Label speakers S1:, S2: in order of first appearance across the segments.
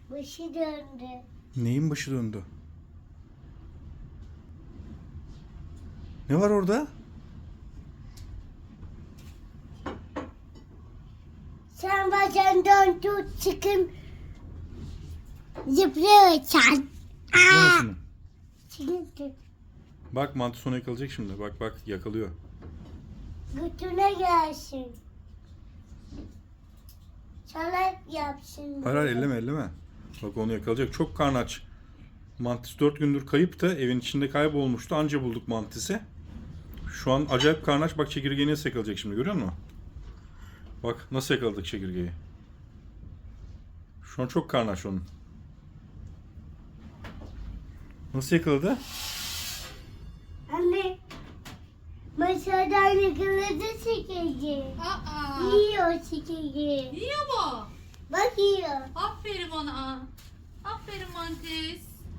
S1: Başı döndü.
S2: Neyin başı döndü? Ne var orada?
S1: Sen başın döndü çıkın. Zıplıyor sen.
S2: Nasıl mı?
S1: Çıkın.
S2: Bak mantı sonu yakalayacak şimdi. Bak bak yakalıyor.
S1: Götüne gelsin. Salak yapsın.
S2: Hayır hayır elleme elleme. Bak onu yakalayacak. Çok karnı aç. Mantis 4 gündür kayıp da evin içinde kaybolmuştu. Anca bulduk mantisi. Şu an acayip karnı aç. Bak çekirgeyi nasıl yakalayacak şimdi görüyor musun? Bak nasıl yakaladık çekirgeyi. Şu an çok karnı aç onun. Nasıl yakaladı?
S1: Anne. Masadan yakaladı çekirge.
S3: Aa,
S1: Yiyor çekirge.
S3: yiyor mu?
S1: Bak yiyor.
S3: Aferin ona. Aferin Mantis.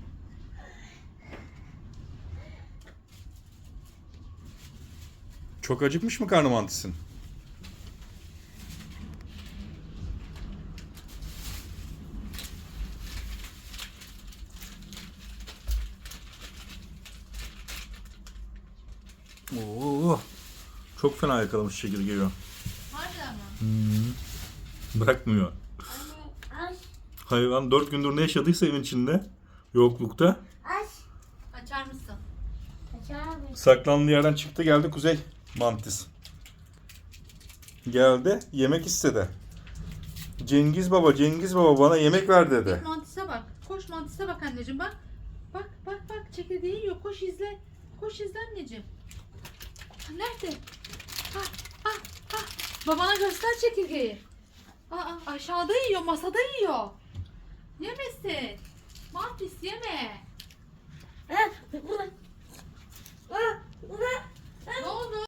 S2: Çok acıkmış mı karnı mantisin? Oo, çok fena yakalamış çekirgeyi o.
S3: Harbiden mi?
S2: Bırakmıyor.
S1: Aç.
S2: Hayvan 4 gündür ne yaşadıysa evin içinde, yoklukta.
S1: Aç.
S3: Açar mısın?
S1: Aç abi.
S2: Saklandığı yerden çıktı geldi Kuzey mantis. Geldi yemek istedi. Cengiz baba bana yemek ver dedi.
S3: Mantis'e bak. Koş Mantis'e bak anneciğim bak. Bak çekirdeği yiyor. Koş izle. Koş izle anneciğim. Nerede? Ha. Babana göster çekirgeyi. Aşağıda yiyor, masada yiyor. Yemesin. Mantis yeme.